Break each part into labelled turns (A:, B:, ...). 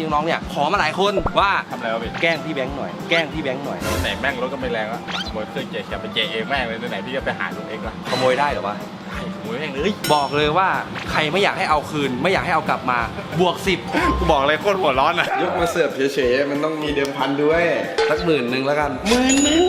A: ที่น้องเนี่ยขอมาหลายคนว่า
B: ทำอะไรวะพี่
A: แกล้งพี่แบงค์หน่อยแกล้งพี่แบงค์หน่อย
B: ไหนแม่งรถก็ไม่แรงแล้วขโมยเครื่องเจแคปไปเจเองแม่งเลยไหนพี่จะไปหาลุงเองล่ะ
A: ขโมยได้หรอวะ
B: ขโมยแม่งเลย
A: บอกเลยว่าใครไม่อยากให้เอาคืนไม่อยากให้เอากลับมาบวก10
B: กูบอกเลยโคตรหัวร้อนอ่ะ
C: ยกมาเสิร์ฟเฉยๆมันต้องมีเดิมพันด้วย
A: สัก10,000แล้วกัน10,000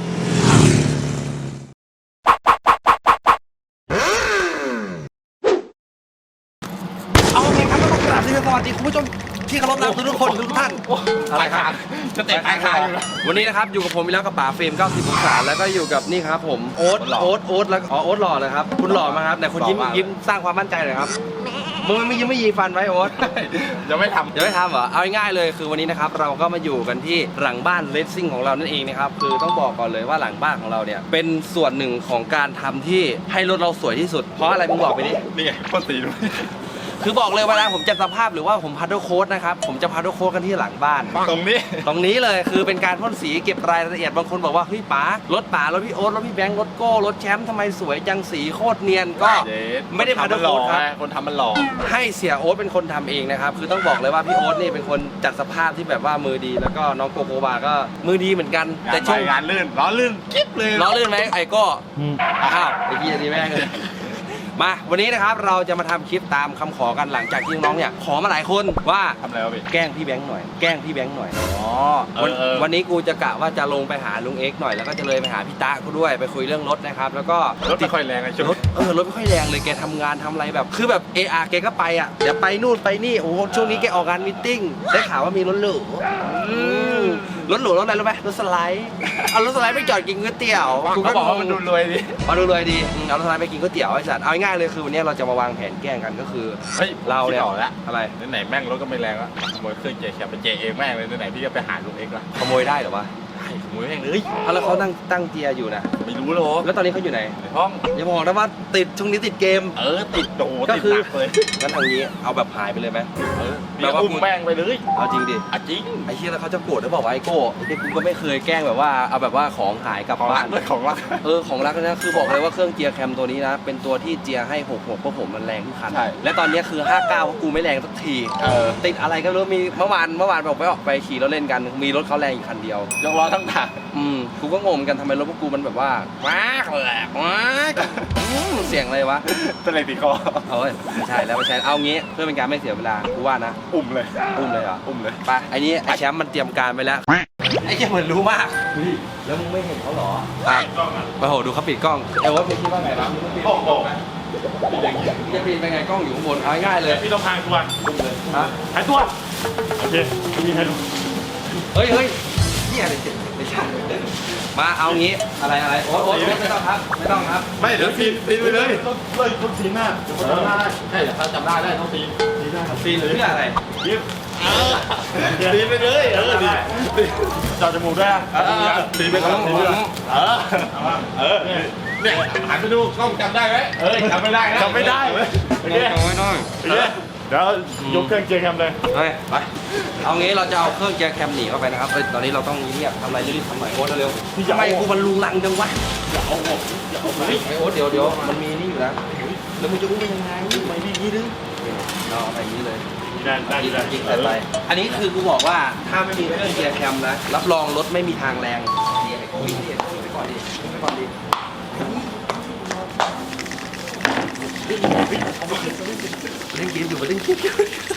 A: เอาไงครับก็ต้องกราบเรียนสวัสดีคุณผู้ชมที่เคารพรักทุกคนทุกท่าน
B: อะไรครับจะเตะปลายคาง
A: วันนี้นะครับอยู่กับผมอีกแล้วกับป๋าเฟรม90องศาแล้วก็อยู่กับนี่ครับผมโอ๊ตแล้วโอ๊ตหล่อเลยครับคุณหล่อมาครับแต่คุณยิ้มสร้างความมั่นใจเลยครับมึงไม่ยีฟันไว้โอ๊ต
B: ยังไม่ทำ
A: เหรอเอาง่ายๆเลยคือวันนี้นะครับเราก็มาอยู่กันที่หลังบ้านเลสซิ่งของเรานั่นเองนะครับคือต้องบอกก่อนเลยว่าหลังบ้านของเราเนี่ยเป็นส่วนหนึ่งของการทำที่ให้รถเราสวยที่สุดเพราะอะไรมึงบอกไปดิ
B: นี่ไงพ่นสีด้วย
A: คือบอกเลยเวลาผมจัดสภาพหรือว่าผมพัดโค้ดนะครับผมจะพัดโค้ดกันที่หลังบ้าน
B: ตรง
A: นี้เลยคือเป็นการพ่นสีเก็บรายละเอียดบางคนบอกว่าเฮ้ยป๋ารถพี่โอ๊ตรถพี่แบงค์รถโก้รถแชมป์ทำไมสวยจังสีโคตรเนียนก็ไม่ได้พัดโค้ดครับ
B: คนทำมันหล่อ
A: ให้เสียโอ๊ตเป็นคนทำเองนะครับคือต้องบอกเลยว่าพี่โอ๊ตนี่เป็นคนจัดสภาพที่แบบว่ามือดีแล้วก็น้องโกโกบาก็มือดีเหมือนกัน
B: แต่ช่วงงานลื่นล้อลื่นกิ๊บเลย
A: ล้อลื่นไหมไอ้ก็อ้าวไอ้พี่ดีแม่งเลยมาวันนี้นะครับเราจะมาทำคลิปตามคำขอกันหลังจากที่น้องเนี่ยขอมาหลายคนว่า
B: ทำอะไรวะพี่
A: แกล้งพี่แบงค์หน่อย
B: อ๋อ
A: วันนี้กูจะกะว่าจะลงไปหาลุงเอ็กหน่อยแล้วก็จะเลยไปหาพี่ตะกูด้วยไปคุยเรื่องรถนะครับแล้วก็
B: รถไม่ค่อยแรงไอ้ชุด
A: รถไม่ค่อยแรงเลยแกทำงานทำอะไรแบบคือแบบแกก็ไปอ่ะเดี๋ยวไปนู่นไปนี่โอ้ช่วงนี้แกออกงานมีตติ้งได้ข่าวว่ามีรถหรูรถอะไรรู้ไหมรถสไลด์เอารถสไลด์ไปจอดกินก๋วยเตี๋ยว
B: กูก็บอกว่ามันดูรวยดี
A: เอารถสไลด์ไปกินก๋วยเตี๋ยวไอ้สัตว์เอาง่ายเลยคือวันนี้เราจะมาวางแผนแกล้งกันก็คือ
B: เฮ้ย
A: เราเนี่ย
B: อะไรไหนแม่งรถก็ไม่แรงแล้วขโมยเครื่องเจแคปไปเจเองแม่งเลยไหนพี่จะไปหาลุงเองล่ะ
A: ขโมยได้หรอวะ
B: ขโมยแม่งเลย
A: แล้วเขาตั้งเจียอยู่นะ
B: ไม่รู้หรอ
A: แล้วตอนนี้เขาอยู่ไหน
B: ในห้อง
A: อย่าบอกนะว่าช่วงนี้ติดเกม
B: ติดโด
A: ก็คืองั้นทางนี้เอาแบบหายไปเลยไหม
B: แบบว่าอุ้มแม่งไปเลย
A: เอาจริงดิ
B: จริง
A: ไอ้เชี่ยแล้วเขาจะโกรธหรือเปล่าไอ้โก้ไอ้กูก็ไม่เคยแกล้งแบบว่าเอาแบบว่าของหายกลับบ้าน
B: ของรัก
A: ของรักนะคือบอกเลยว่าเครื่องเจียแคมตัวนี้นะเป็นตัวที่เจียให้66เพราะผมมันแรงทุกคันและตอนนี้คือ59เพราะกูไม่แรงสักทีติดอะไรก็รู้มีเมื่อวานบอกออกไปขี่รถเล่นกันมีรถเขาแรงอีกคันเดียวย
B: กล้อทั้งถัง
A: กูก็งงกันทำไมรถพวกกูมันแบบว่าว้ากเสียงอะไรวะ
B: เป็นอะไรตีคอ
A: ไม่ใช่เอางี้เพื่อเป็นการไม่เสียเวลากูว่านะ
B: อุ้มเลย
A: เหรอ
B: อุ้มเลย
A: ไปไอ้แชมป์มันเตรียมการไปแล้วไอ้แชมป์เหมือนรู้มากแล้วมึงไม่เห็นเขาหรอโอ้โหดูเขาปิดกล้องว่าพี่คิดว่าไงนะ
B: โอ้โห
A: จะปิดไปไงกล้องอยู่ข้างบนเอาง่ายเลย
B: พี่ต้องพายตัวหายตัวโอเคมีใครดู
A: เฮ้ยนี่อะไรไม่ใช่มาเอางี้อะไรโอ๊ตไม่ต้องครับ
B: ไม่เดี๋ยวปีนไปเลยต้องซีนหน้าเดี๋ยวเขาจำได้ใช่เดี๋ยวเขาจำได้ต้องซีน
A: ได้ครับซีนเพื่ออะไร
B: ซีนไปเลยดีจอดจมูกด้วยซีนไปก่อนเนี่ยหันไปดูกล้องจำได้ไหมจำไม่ได้นะจำไม่ได้
A: น้อย
B: เดี๋ยวยกเครื่องเจแคมเลย
A: ไปเอางี้เราจะเอาเครื่องเจแคมหนีเข้าไปนะครับตอนนี้เราต้องเงียบทำอะไรรีบทำหน่อยโอ๊ตเร็วทำไมกูมันลุงลังจังวะ
B: อย่าเอาออก
A: ไอโอ๊ตเดี๋ยวมันมีนี่อยู่นะแล้วมึงจะอุ้มไปยังไง
B: ไม่ดีนี่ดึง
A: เอาไปอย่างนี้เลย
B: ได้
A: ยิงไปอันนี้คือกูบอกว่าถ้าไม่มีเครื่องเจแคมนะรับรองรถไม่มีทางแรงไปก่อนดิเล่นเกมอยู่มาเล่นเกม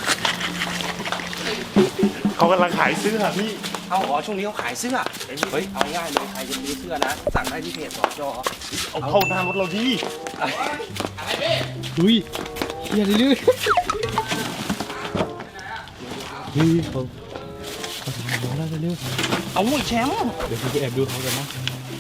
B: เขากำลังขายเสื้อพี่
A: ช่วงนี้เขาขายเสื้อเฮ้ยเอาง่ายเลยใครจะซื้อเสื้อนะสั่งได้ที่เพจสจ
B: เอาเข้าหน้ารถเราดี
A: อะไรพี่
D: อุ้ยอย่าดื้อเขาทำบอกแล้วเร็ว
A: เอาแชมป์
D: เดี๋ยวพี่จะแอบดูเขากันนะ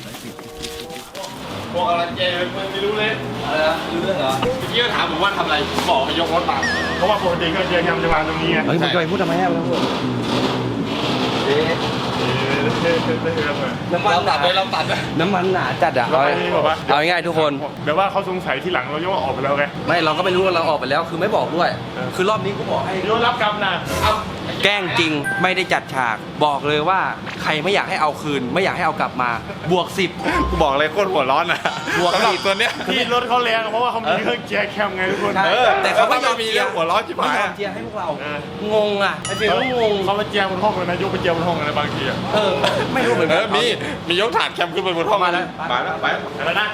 B: บอกอะไรเจไม่รู้เลย
A: อะไรนะรู้เรื่องเหรอ
B: เมื่อกี้ก็ถามผมว่าทำอะไรผมบอกให้ยกรถมาเพราะว่าปกติก็เจแคมจะวางตรงนี้ไง
A: เฮ้ยมึงจะไปพูดทำไมฮะมึงพูดน้ำมันหนา
B: เราตัดเลย
A: น้ำมันหนาจัดอะเอาง่ายๆทุกคน
B: เดี๋ยวว่าเขาสงสัยที่หลังเราย่อออกไปแล้วไง
A: ไม่เราก็ไม่รู้ว่าเราออกไปแล้วคือไม่บอกด้วย คือรอบนี้กูบอกให้
B: โยนรับกรรมนะ
A: แกล้งจริงไม่ได้จัดฉากบอกเลยว่าใครไม่อยากให้เอาคืน ไม่อยากให้เอากลับมาบวก 10
C: กูบอกเลยโคตรหัวร้อนนะ
A: บวก
C: สำหรับ
A: 10
C: ตัวเนี้ย
B: ที่รถเขาแรงเพราะว่าเขามีเครื่องเกียร์แคมไงทุกคน
A: ใช่ แต่เขาไม่ยอม
C: มี
A: เจี
C: เรื่
A: ย
C: องหัวร้อนจิ๋
A: ไม่
C: หาย
A: ยอม
C: อะ
A: เจียให้พวกเรา
B: เออ
A: งงอ่ะไอ้เฟรมก็งง
B: เขามาเจียร์บนห้องเลยนะยกไปเจียร์บนห้องเลยนะบางทีอะ
A: ไม่รู้เหมือนกัน
C: มียกถาดแคมขึ้นไปบนห้อง
A: มาแล้ว
C: ไป
B: แล้วนะ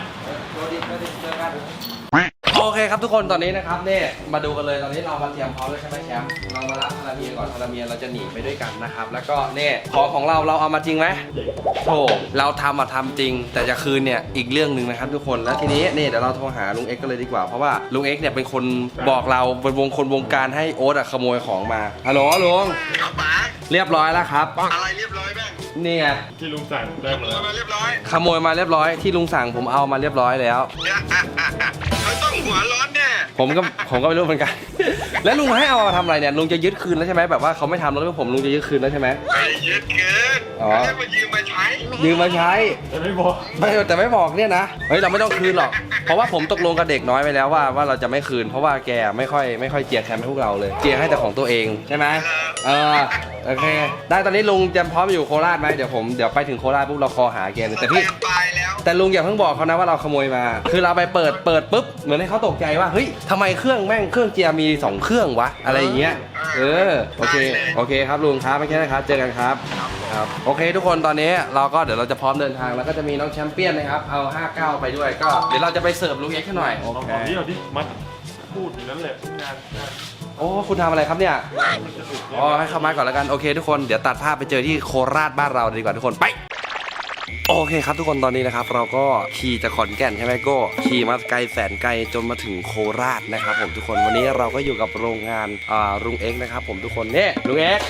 A: โอเคครับทุกคนตอนนี้นะครับเนี่ยมาดูกันเลยตอนนี้เรามาเตรียมพร้อมแล้วใช่ไหมแชมป์เรามารับพาราเมียก่อนพาราเมียเราจะหนีไปด้วยกันนะครับแล้วก็เนี่ยของเราเอามาจริงไหมโธ่เราทำจริง แต่จะคืนเนี่ยอีกเรื่องหนึ่งนะครับทุกคนแล้วทีนี้เนี่ยเดี๋ยวเราโทรหาลุงเอ็กซ์กันเลยดีกว่าเพราะว่าลุงเอ็กซ์เนี่ยเป็นคนบอกเราเป็นวงการให้โอ๊ตขโมยของมาฮัลโหลลุงเรียบร้อยแล้วครับ
E: อะไรเรียบร้อยแม่ง
A: นี่ไง
B: ที่ลุงสั่งได้หมดแล้ว
E: มาเรียบร้อย
A: ขโมยมาเรียบร้อยที่ลุงสั่งผมเอามาเรียบร้อยแล้ว
E: เนี่ยเขาต้องหัวร้อนแน่
A: ผมก็ไม่รู้เหมือนกัน แล้วลุงให้เอามาทำอะไรเนี่ยลุงจะยึดคืนแล้วใช่ไหมแบบว่าเขาไม่ทำแล้วให้ผมลุงจะยึดคืนแล้วใช่ไหม
E: ไปยึดเกิน
A: อ๋อ
E: เรียกมายืมมาใช้
A: ยืมมาใช้
B: แต่ไม่บอก
A: แต่ไม่บอกเนี่ยนะเฮ้ยเราไม่ต้องคืนหรอกเพราะว่าผมตกลงกับเด็กน้อยไปแล้วว่าเราจะไม่คืน เพราะว่าแกไม่ค่อยเจียแคมให้พวกเราเลยเจียให้แต่ของตัวเองใช่ไหมโอเคได้ตอนนี้ลุงจะพร้อมอยู่โคราชไหมเดี๋ยวไปถึงโคราชปุ๊บเราคอหาแกเลยแต่พี่
E: ตายแล้ว
A: แต่ลุงอย่าเพิ่งบอกเขานะว่าเราขโมยมา คือเราไปเปิดปุ๊บเหมือนให้เขาตกใจว่าเฮ้ยทำไมเครื่องเจียร์มี2เครื่องวะอะไรอย่างเงี้ยโอเคครับลุงครับไม่ใช่นะครับเจอกันครับโอเคทุกคนตอนนี้เราก็เดี๋ยวเราจะพร้อมเดินทางแล้วก็จะมีน้องแชมเปี้ยนนะครับเอา59ไปด้วยก็เดี๋ยวเราจะไปเสิร์ฟลุงเอ็กซ์ให้หน่อย
B: ลองบอกนี่เราดิมัดพูดอยู่นั่นแหละงาน
A: โอ้คุณทำอะไรครับเนี่ยอ๋อให้เข้ามาก่อนแล้วกันโอเคทุกคนเดี๋ยวตัดภาพไปเจอที่โคราชบ้านเราดีกว่าทุกคนไปโอเคครับทุกคนตอนนี้นะครับเราก็ขี่จากขอนแก่นใช่ไหมโก้ขี่มาไกลแสนไกลจนมาถึงโคราชนะครับผมทุกคนวันนี้เราก็อยู่กับโรงงานลุงเอ็กซ์นะครับผมทุกคนเนี่ยลุงเอ็กซ์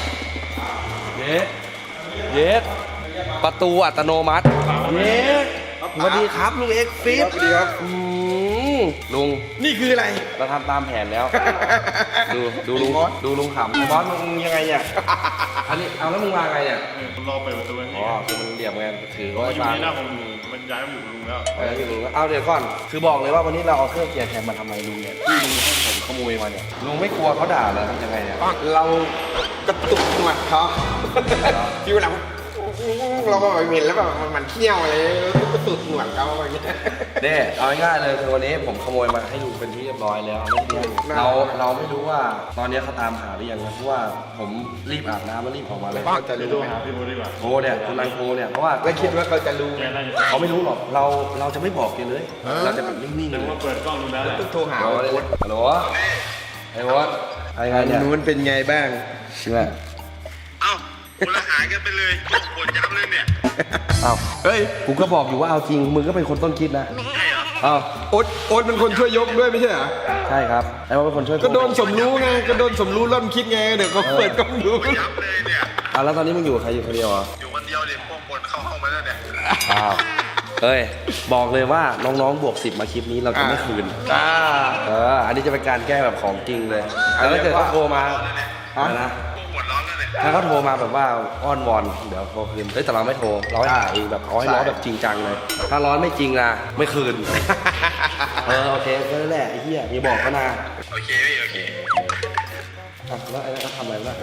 A: เย็ดประตูอัตโนมัติเย็ดสวัสดีครับลุงเอ็กซ์ฟิป
C: สวัสดีครับ
A: ลุง
C: นี่คืออะไร
A: เราทำตามแผนแล้ว ดูลุงขำบอสมึงยังไงเนี่ยอันนี้เอาแล้วมึงมาไงเนี่ย
B: รอเปิดประตูไว้
A: อ๋อคือมันเหลี่ยมไงถือ
B: เขา
A: ไว้
B: อยู่
A: บาง
B: นี่หน้าผมมันย้ายมาอยู่กับลุงแล้ว
A: เอาเดี๋ยวก่อนคือบอกเลยว่าวันนี้เราเอาเครื่องเกียร์แทนมาทำไมลุงเนี่ยที่ลุงให้ผมขโมยมาเนี่ยลุงไม่กลัวเขาด่าเลยทำยังไงเนี่ย
C: เรากระตุกหนวดเขาอยู่หลังเราก็แบบเห็นแล้วแบบมันเที่ยวเลยกระตุกหนวดเขาอะไรเงี้ย
A: เด้เอาง่ายๆเลยคือวันนี้ผมขโมยมาให้ลุงเป็นที่เรียบร้อยแล้วเราไม่รู้ว่าตอนนี้เขาตามหาหรือยังนะเพราะว่าผมรีบอาบน้ำแล้วรีบออกมาเลย
C: เขาจะ
B: เดี๋ยว
C: รู้
B: โทรหาพี่โมดีกว่า
A: โทรเนี่ยคุณนายโทรเนี่ยเพราะว่า
C: แล้วคิดว่าเขาจะรู้
B: แกน่าจะ
A: เขาไม่รู้หรอกเราจะไม่บอกแกเลย เราจะแบบนิ่งๆ
B: แต่
A: เลย
B: ว่าเปิดกล้องดูแล้วแหละ
C: ต้องโทรหา
A: ฮัลโหลฮัลโหลไอ้วอดอะไรไงเนี่ย
C: นู้นเป็นไงบ้าง
A: เชื่อ
E: เอ้าคนละหายกันไปเลยปวดยับเลยเนี่ย
A: อ้าว
C: เฮ้ย
A: กูก็บอกอยู่ว่าเอาจริงมึงก็เป็นคนต้นคิดนะอ้าว
C: โอ๊ตเป็นคนช่วยยกด้วยไม่ใช่เหรอ
A: ใช่ครับไอ้วอดเป็นคนช่วย
C: ก็โดนสมรู้ไงก็โดนสมรู้ร่อนคิดไงเดี๋ยวก็เปิดกล้องดู
E: ยับเลยเนี่ย
A: อ่ะแล้วตอนนี้มึงอยู่กับใครอยู่คนเดียวเหรอ
E: อยู่คนเดียวเลยพวกคนเข้าห้องมาแล้วเนี่ย
A: อ้าวเฮ้ยบอกเลยว่าน้องๆบวก10มาคลิปนี้เราจะไม่คืนอันนี้จะเป็นการแก้แบบของจริงเลยแล้วถ้าเกิดเขาโทรมานะ
E: ปวดร้อนแล้วเนี่ย
A: ถ้าเขาโทรมาแบบว่าอ้อนวอนเดี๋ยวโทรคืนเฮ้ยแต่เราไม่โทรเราให้หาเองแบบเอาให้ร้อนแบบจริงจังเลย ถ้าร้อนไม่จริงนะไม่คืน โอเคก็นั่นแหละไอ้เหี้ยอย่าบอกเขานะ
E: โอเคพี่โอเค
A: แล้วไอ้นั่นเขาทำอะไรวะ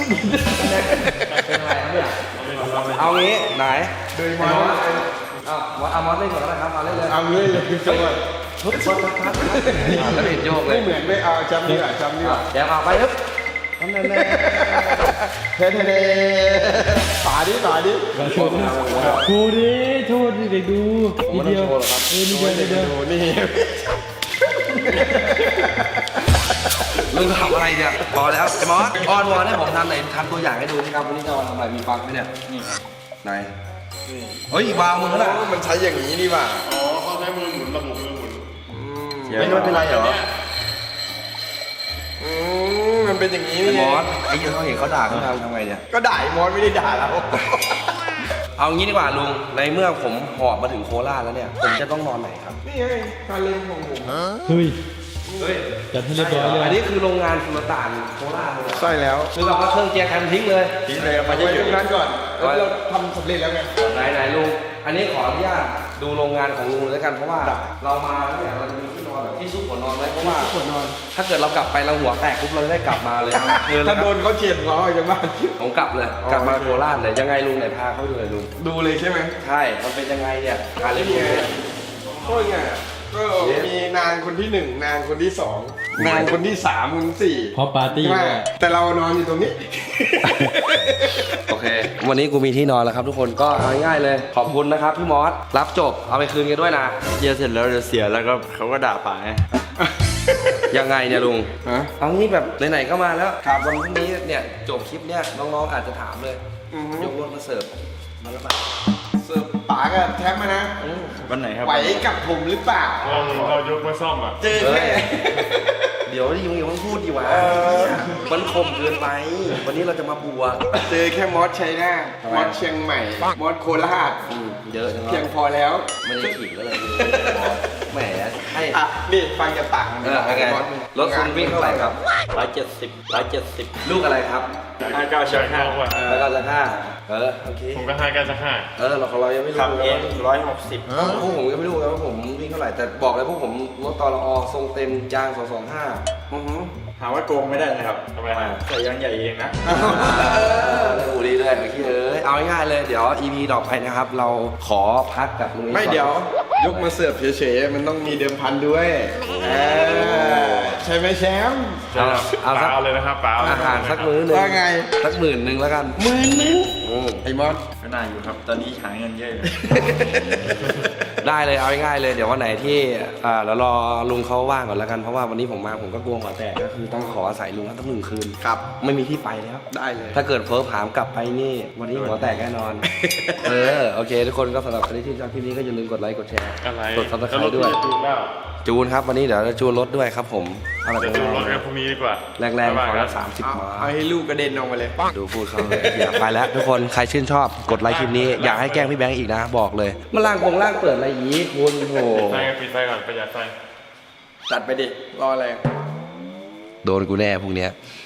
A: เป็นอะไรครับเนี่ยเอางี้ไหนโดยมอสเอามอสเล่นก่อนแล้วนะครับเอาเล่นเลย
C: เอาเลยจังหวะ
A: ทุบพัดแล้วเห็นโยกเลย
C: ไม่เหมือนไม่เอาจำดีกว่าจำดีกว่า
A: แกเอาไปครับทำแน่
C: เท่ๆป่าดิ
D: โชว์ดิโชว์ดิเด็กดู
A: ผมไม่ต้องโชว์หรอกครับ
D: นี่เดียว
C: ดูนี่
A: ลุงทำอะไรเนี่ยพอแล้วไอ้มอสอ้อนวอนให้ผมทำไหนทำตัวอย่างให้ดูนี่ครับวันนี้จะมาทำอะไรมีฟังไหมเนี่ยนี่ไหนเฮ้ยวางมือแล้ว
C: มันใช้อย่างนี้ดีป่ะ
B: อ๋อเขาใช้มือหมุนระบบมือหมุน
A: ไม่เป็นไรเหรอ
C: มันเป็นอย่างนี้
A: ไอ้
C: นี่
A: มอสไอ้เหี้ยเขาเห็นเขาด่าเขาทำไงเนี่ย
C: ก็ด่ามอสไม่ได้ด่าเรา
A: เอางี้ดีกว่าลุงในเมื่อผมหอบมาถึงโคราชแล้วเนี่ยผมจะต้องนอนไหนครับ
C: นี่ไงการเล่นของผม
D: เฮ้ย
C: น
D: จัดให้เรียบร้อยเลย
A: อันนี้คือโรงงานสุลต่านโคราชเลย
C: ใช่แล้ว
A: คือเราก็เครื่องเจียร์แคมทิ้งเลย
C: ทิ้งเลยมาไว้ตรงนั้นก่อนแล้วเราทำสำเร็จแล้วไง
A: ไหนลุง อันนี้ขออนุญาตดูโรงงานของลุงเลยแล้วกันเพราะว่าเรามาเนี่ยเราจะมีที่นอนแบบที่ซุกหัวนอนไว้เพราะว่าหัวนอน ถ้าเกิดเรากลับไปเราหัวแตกปุ๊บเราจะได้กลับมาเลย
C: ถ้าโดนเขาเฉียดล้อจากบ้าน
A: ผมกลับเลยกลับมาโคราชเลยยังไงลุงไหนพาเขาดูหน่อยลุง
C: ดูเลยใช่ไหม
A: ใช่มันเป็นยังไงเนี่ยการเรียนรู้เนี่ย
C: ก็ไงก็มีนางคนที่หนึ่งนางคนที่สองนางคนที่สามคนที่สี่
D: เพราะปาร์ตี้
C: ใช่
D: ด้วย
C: แต่เรานอนอยู่ตรงนี้
A: โอเค วันนี้กูมีที่นอนแล้วครับทุกคนก็เอาง่ายๆเลย ขอบคุณนะครับพี่มอสรับจบเอาไปคืนกันด้วยนะ
B: เยียเสร็จแล้วเดี๋ยวเสียแล้วก็เขาก็ด่าป๋าไง
A: ยังไงเนี่ยลุง
C: ฮะ
A: เอางี้แบบไหนๆก็มาแล้วครับวันพรุ่งนี้เนี่ยจบคลิปเนี่ยน้องๆอาจจะถามเลย
C: อือฮึ
A: ยกรถมาเสิร์ฟมาแล้วป่ะ
C: เสิร์ฟป๋ากับแท็บมานะ
B: วันไหนครับ
C: ไหวกับผมหรือเปล่า
B: เรายกมาซ่อมอ่ะ
C: เจอแค่
A: เดี๋ยวดิมึงอย่าเพิ่งพูดดิวะมันคมเกินไป วันนี้เราจะมาบวก
C: เจอแค่มอสชัยนาท
A: ทำไม
C: มอสเชียงใหม่ มอสโคราช
A: เยอะจัง
C: เพียง
A: วะ
C: พอแล้ว
A: ไม่ได้ขิงแล้วเลยแหมให้
C: อ่ะนี่ฟังจากปากมัน
A: ไงรถคุณวิ่งเท่าไหร่ครับ
B: 170
A: ลูกอะไรครับ
B: 59 ชัก5ว่ะ
A: แล้วก็จะห้าโอเค
B: ผมก็59 ชัก
A: เราของเรายังไม่รู้
B: ขับ
A: เล
B: เอย ง
A: ว่า
B: 160
A: พวกผมยังไม่รู้เลยว่าผมวิ่งเท่าไหร่แต่บอกเลยพวกผมรถตลอทรงเต็มยาง225
B: หาว่าโกงไม่ได้นะครับทำไมใส่ยางใหญ่เองนะ
A: ดูดีเลยโอเคเอาง่ายๆเลยเดี๋ยว EP ต่อไปนะครับ เราขอพักกับลุงนิ
C: ไม่เดี๋ยวยกมาเสิร์ฟเฉยๆมันต้องมีเดิมพันด้วยใช่ไหมแชมป์
A: เอาสัก
B: เลยนะครับป๋า
A: อาหารสักมื้อหนึง
C: ว่าไง
A: สัก10,000แล้วกัน
C: ไอ้มอส
B: ก็น่าอยู่ครับ ตอนนี้หาเงินเยอะอยู่
A: ได้เลยเอาง่ายๆเลยเดี๋ยววันไหนที่เรารอลุงเขาว่างก่อนแล้วกันเพราะว่าวันนี้ผมมาผมก็กลัวหัวแตกก็คือต้องขออาศัยลุงทั้ง1 คืน
C: ครับ
A: ไม่มีที่ไปแล้ว
C: ได้เลย
A: ถ้าเกิดเพิ่มผามกลับไปนี่ วันนี้หัวแตกแน่นอน โอเค ทุกคนก็สำหรับใครที่ชอบคลิปนี้ก็อย่าลืมกดไลค์กดแชร์
B: อะไร
A: กดซับสไครต์ด้วย จูนครับวันนี้เดี๋ยวจะจูนรถด้วยครับผมเอาแบบ
B: จะดูรถกันพรุ่งนี้ดีกว่า
A: แรงๆขอละ30
C: เอา
A: มา
C: เอาให้ลูกกระเด็นออกมาเลย
A: ดูพูดเขาเลยอย่าไปแล้วทุกคนใครชื่นชอบกดไลค์คลิปนี้อยากให้แกล้งพี่แบงค์อีกนะบอกเลยมาล่างเปิดอะไรยี้คุณโห
B: ปิดไฟก่อนประหยัดไฟ
C: จัดไปดิ รออะไร
A: โดนกูแน่พวกเนี้ย